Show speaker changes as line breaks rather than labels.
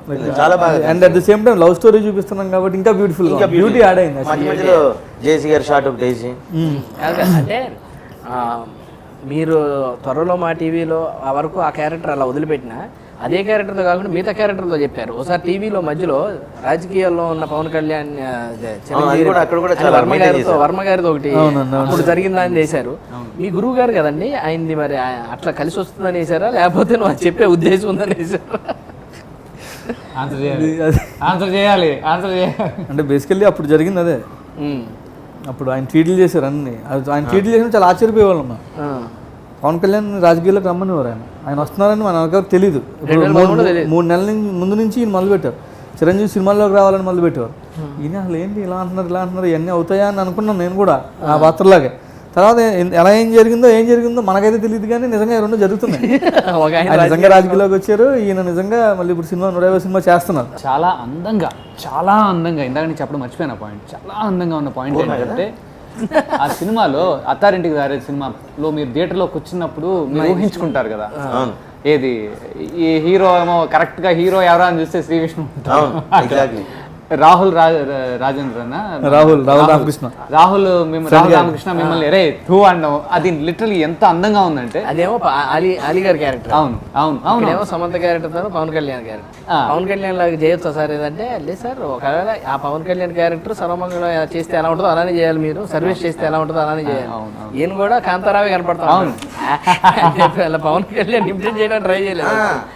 చాలా బాగా.
And at the same time love story చూపిస్తున్నాం కాబట్టి ఇంకా బ్యూటిఫుల్, బ్యూటీ యాడ్ అయింది.
మధ్యలో జేసీ గారి షార్ట్ ఒకటి వేసి
అంటే మీరు త్వరలో మా టీవీలో ఆ వరకు ఆ క్యారెక్టర్ అలా వదిలిపెట్టినా అదే క్యారెక్టర్తో కాకుండా మిగతా క్యారెక్టర్తో చెప్పారు. ఒకసారి టీవీలో మధ్యలో రాజకీయాల్లో ఉన్న పవన్ కళ్యాణ్ వర్మ గారితో ఒకటి అప్పుడు జరిగిందని చేశారు. మీ గురువు గారు కదండి ఆయనది, మరి అట్లా కలిసి వస్తుందని వేసారా లేకపోతే నువ్వు అది చెప్పే ఉద్దేశం ఉందని వేసారా?
ఆన్సర్ చేయాలి.
అంటే బేసికల్లీ అప్పుడు జరిగింది అదే. అప్పుడు ఆయన ట్వీట్లు చేశారు అన్ని, ఆయన ట్వీట్లు చేసిన చాలా ఆశ్చర్యపోయేవాళ్ళం. పవన్ కళ్యాణ్ రాజకీయాల్లోకి రమ్మనివారు, ఆయన వస్తున్నారని మనకు తెలియదు. ఇప్పుడు 3 నెలల ముందు నుంచి ఈయన మొదలుపెట్టారు. చిరంజీవి సినిమాల్లోకి రావాలని మొదలుపెట్టేవారు. ఈయన అసలు ఏంటి ఇలా అంటున్నారు ఇవన్నీ అవుతాయా అని అనుకున్నాను నేను కూడా ఆ పాత్రలాగే. తర్వాత ఎలా ఏం జరిగిందో మనకైతే తెలియదు, కానీ నిజంగా రెండు జరుగుతున్నాయి. ఆయన నిజంగా రాజకీయాల్లోకి వచ్చారు, ఈయన నిజంగా మళ్ళీ ఇప్పుడు 150 సినిమా చేస్తున్నారు.
చాలా అందంగా ఇందాక నేను చెప్పడం మర్చిపోయిన పాయింట్, చాలా అందంగా ఉన్న పాయింట్ ఏంటంటే ఆ సినిమాలో అత్తారింటికి దారే సినిమాలో మీరు థియేటర్లో కూర్చున్నప్పుడు మీరు ఊహించుకుంటారు కదా, ఏది ఈ హీరో ఏమో కరెక్ట్ గా హీరో ఎవరా అని చూస్తే శ్రీ విష్ణు, రాహుల్ రామకృష్ణ మిమ్మల్ని ఎరే టూ అన్నాం. అది లిటరలీ ఎంత అందంగా ఉందంటే,
అదేమో అలీ గారి క్యారెక్టర్. అవును సమంత క్యారెక్టర్ పవన్ కళ్యాణ్ క్యారెక్టర్. పవన్ కళ్యాణ్ లాగా చేయొచ్చా సార్ ఏదంటే, లేదు సార్ ఒకవేళ ఆ పవన్ కళ్యాణ్ క్యారెక్టర్ సర్వమంగళం చేస్తే ఎలా ఉంటుందో అలానే చేయాలి, మీరు సర్వీస్ చేస్తే ఎలా ఉంటుందో అలానే చేయాలి. ఈయన కూడా కాంతారావే కనపడతాం. పవన్ కళ్యాణ్ ఇంప్రెస్ చేయడానికి ట్రై చేయలేదు.